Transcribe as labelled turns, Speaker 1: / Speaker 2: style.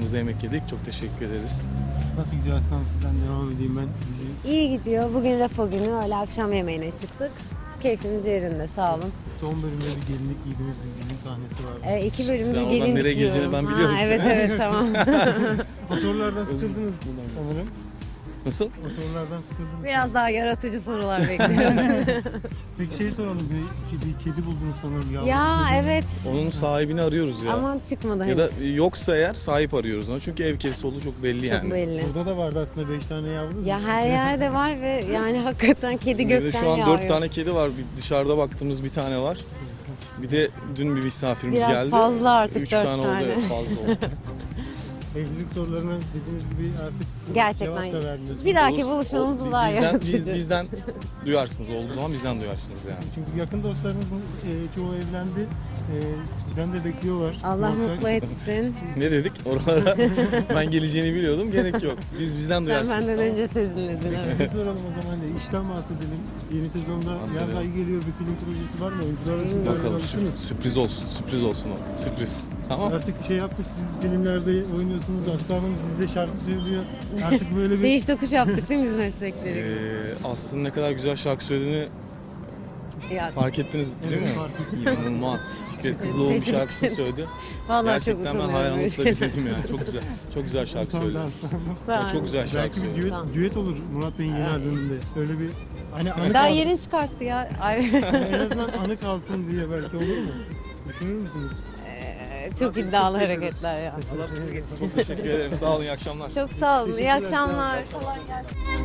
Speaker 1: Mekanımızda yemek yedik. Çok teşekkür ederiz.
Speaker 2: Nasıl gidiyor Aslan? Sizden devam edeyim ben.
Speaker 3: İyi gidiyor. Bugün rapo günü. Öyle akşam yemeğine çıktık. Keyfimiz yerinde. Sağ olun.
Speaker 2: Son bölümde bir gelinlik giydiğiniz bir düğün sahnesi var.
Speaker 3: 2 bölümdür
Speaker 1: Sen oradan
Speaker 3: gelinlik
Speaker 1: nereye geleceğini
Speaker 3: giyiyorum.
Speaker 1: ben biliyorum.
Speaker 3: Evet evet tamam.
Speaker 2: O sorulardan sıkıldınız sanırım.
Speaker 1: Nasıl?
Speaker 2: O sorulardan sıkıldınız.
Speaker 3: Biraz daha yaratıcı sorular bekliyoruz.
Speaker 2: Peki şey soralım. Bir kedi buldunuz sanırım. Yavru
Speaker 3: Ya
Speaker 2: kedi.
Speaker 3: evet.
Speaker 1: Onun sahibini arıyoruz ya.
Speaker 3: Ama çıkmadı
Speaker 1: Ya da
Speaker 3: henüz.
Speaker 1: yoksa eğer sahip arıyoruz onu. Çünkü ev kedisi olduğu çok belli
Speaker 3: Çok
Speaker 1: yani.
Speaker 3: belli.
Speaker 2: Burada da vardı aslında 5 tane yavru.
Speaker 3: Ya her yerde var ve yani hakikaten kedi
Speaker 1: Şimdi
Speaker 3: gökten
Speaker 1: şu an
Speaker 3: yağıyor.
Speaker 1: 4 tane kedi var. Bir dışarıda baktığımız bir tane var. Bir de dün bir misafirimiz
Speaker 3: Biraz
Speaker 1: geldi.
Speaker 3: fazla artık
Speaker 1: 3
Speaker 3: 4
Speaker 1: tane oldu.
Speaker 3: tane.
Speaker 1: Evet, fazla oldu.
Speaker 2: Evlilik sorularına dediğiniz gibi artık
Speaker 3: Gerçekten.
Speaker 2: cevap da verdiniz.
Speaker 3: Bir dahaki
Speaker 1: Olsun,
Speaker 3: buluşmamızda daha yaratıcı.
Speaker 1: bizden duyarsınız. Olduğu zaman bizden duyarsınız yani.
Speaker 2: Çünkü yakın dostlarınızın çoğu evlendi. Sizden de bekliyorlar.
Speaker 3: Allah
Speaker 2: Muhakkak.
Speaker 3: mutlu etsin.
Speaker 1: Ne dedik? Oralara ben geleceğini biliyordum. Gerek yok. Bizden
Speaker 3: Sen
Speaker 1: duyarsınız.
Speaker 3: benden
Speaker 1: tamam.
Speaker 3: önce sezinledin. Evet.
Speaker 2: Size soralım o zaman da işten bahsedelim. Yeni sezonda
Speaker 1: Bahsedelim.
Speaker 2: yaz ayı geliyor, bir film projesi var mı? Oyuncular arasında
Speaker 1: Bakalım
Speaker 2: ayrılamışsınız.
Speaker 1: sürpriz olsun. Sürpriz olsun o. Sürpriz. Tamam.
Speaker 2: Artık şey yaptık, siz filmlerde oynuyorsunuz, Aslı Hanım dizide şarkı söylüyor. Artık böyle bir...
Speaker 3: Değiş tokuş yaptık değil mi biz meslekleri?
Speaker 1: Aslında ne kadar güzel şarkı söylediğini
Speaker 3: Ya,
Speaker 1: fark ettiniz değil mi?
Speaker 2: fark ettim.
Speaker 1: İnanılmaz. Fikret Kızıloğlu bir şarkısını söyledi.
Speaker 3: vallahi
Speaker 1: Gerçekten
Speaker 3: çok
Speaker 1: ben
Speaker 3: utanıyorum.
Speaker 1: hayranlıkla dinledim yani. Çok güzel. Çok güzel şarkı söyledi.
Speaker 3: Sağ ol.
Speaker 1: Çok güzel şarkı
Speaker 2: Belki bir
Speaker 1: söyledi.
Speaker 2: düet,
Speaker 3: Tamam.
Speaker 2: düet olur Murat Bey'in yeni albümünde. Öyle bir hani anı
Speaker 3: Daha
Speaker 2: kalsın.
Speaker 3: yeni çıkarttı ya. Ay,
Speaker 2: En azından anı kalsın diye belki olur mu? Düşünür müsünüz?
Speaker 3: çok iddialı hareketler ya.
Speaker 1: Çok teşekkür ederim. Sağ olun. İyi akşamlar.
Speaker 3: Çok sağ olun. İyi
Speaker 2: Teşekkürler,
Speaker 3: akşamlar. Kolay gelsin.